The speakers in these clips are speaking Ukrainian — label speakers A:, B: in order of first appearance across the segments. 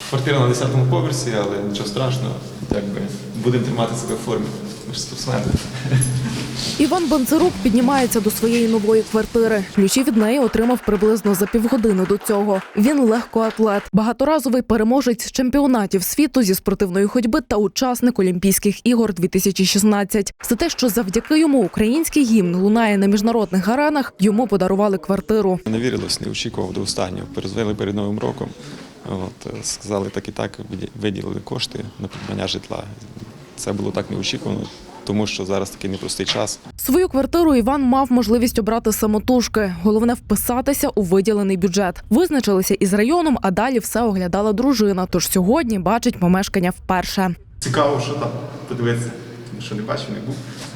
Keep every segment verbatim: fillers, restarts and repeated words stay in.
A: Квартира на десятому поверсі, але нічого страшного, якби будемо тримати себе в формі. Ми ж спортсмени.
B: Іван Бонцарук піднімається до своєї нової квартири. Ключі від неї отримав приблизно за півгодини до цього. Він легкоатлет, багаторазовий переможець чемпіонатів світу зі спортивної ходьби та учасник Олімпійських ігор дві тисячі шістнадцять. За те, що завдяки йому український гімн лунає на міжнародних аренах, йому подарували квартиру.
A: Не вірилось, не очікував до останнього. Перезвонили перед Новим роком. От, сказали, так і так, виділили кошти на придбання житла. Це було так неочікувано, тому що зараз такий непростий час.
B: Свою квартиру Іван мав можливість обрати самотужки. Головне – вписатися у виділений бюджет. Визначилися із районом, а далі все оглядала дружина. Тож сьогодні бачить помешкання вперше.
A: Цікаво, що там подивитися, що не бачив, не був.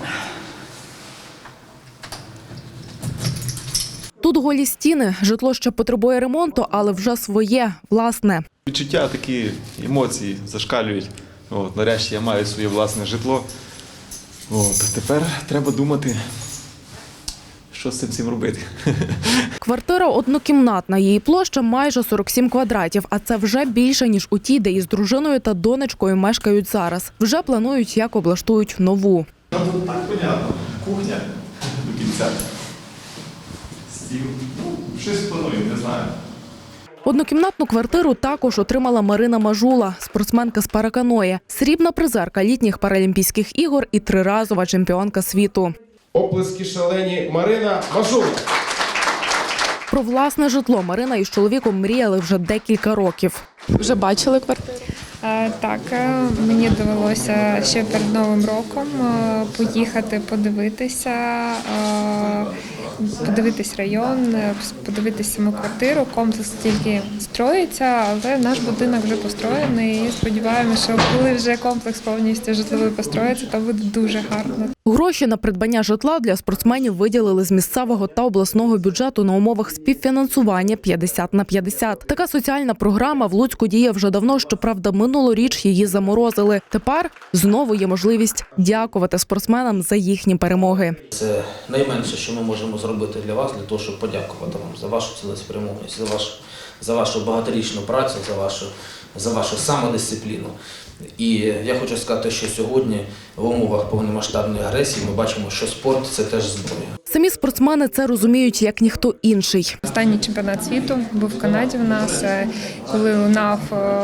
B: Тут голі стіни, житло ще потребує ремонту, але вже своє, власне.
A: Відчуття, такі емоції зашкалюють. От, нарешті я маю своє власне житло. От, тепер треба думати, що з цим всім робити.
B: Квартира однокімнатна, її площа майже сорок сім квадратів, а це вже більше, ніж у тій, де із дружиною та донечкою мешкають зараз. Вже планують, як облаштують нову.
A: Ну, тут так понятно. Кухня до кінця. Стіл. Ну, щось плануємо, не знаю.
B: Однокімнатну квартиру також отримала Марина Мажула, спортсменка з параканої, срібна призерка літніх паралімпійських ігор і триразова чемпіонка світу.
C: Оплески шалені Марина Мажула.
B: Про власне житло Марина із чоловіком мріяли вже декілька років.
D: Вже бачили квартиру?
E: Так, мені довелося ще перед Новим роком поїхати подивитися, подивитись район, подивитись саму квартиру. Комплекс тільки строїться, але наш будинок вже построєний і сподіваємося, що коли вже комплекс повністю житловий построїться, то буде дуже гарно.
B: Гроші на придбання житла для спортсменів виділили з місцевого та обласного бюджету на умовах співфінансування п'ятдесят на п'ятдесят. Така соціальна програма в Луцьку діє вже давно, щоправда, минулоріч її заморозили. Тепер знову є можливість дякувати спортсменам за їхні перемоги.
F: Це найменше, що ми можемо зробити для вас, для того, щоб подякувати вам за вашу цілеспрямованість, за вашу, за вашу багаторічну працю, за вашу, за вашу самодисципліну. І я хочу сказати, що сьогодні в умовах повномасштабної агресії ми бачимо, що спорт – це теж зброя.
B: Самі спортсмени це розуміють як ніхто інший.
E: Останній чемпіонат світу був в Канаді в нас, коли лунав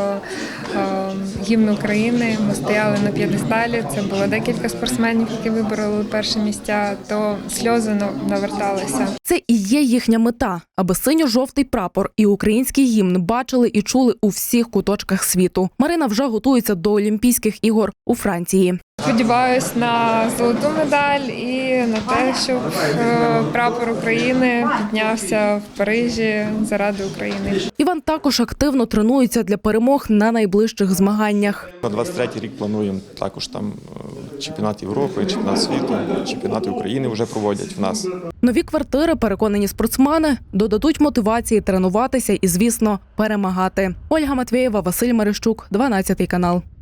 E: гімн України, ми стояли на п'єдесталі, це було декілька спортсменів, які вибороли перші місця, то сльози наверталися.
B: Це і є їхня мета, аби синьо-жовтий прапор і український гімн бачили і чули у всіх куточках світу. Марина вже готується до Олімпійських ігор у Франції.
E: Сподіваюсь на золоту медаль і на те, щоб прапор України піднявся в Парижі заради України.
B: Іван також активно тренується для перемог на найближчих змаганнях.
A: На двадцять третій рік плануємо також там чемпіонат Європи, чемпіонат світу, чемпіонати України вже проводять в нас.
B: Нові квартири, переконані спортсмени, додадуть мотивації тренуватися і, звісно, перемагати. Ольга Матвєєва, Василь Марищук, дванадцятий канал.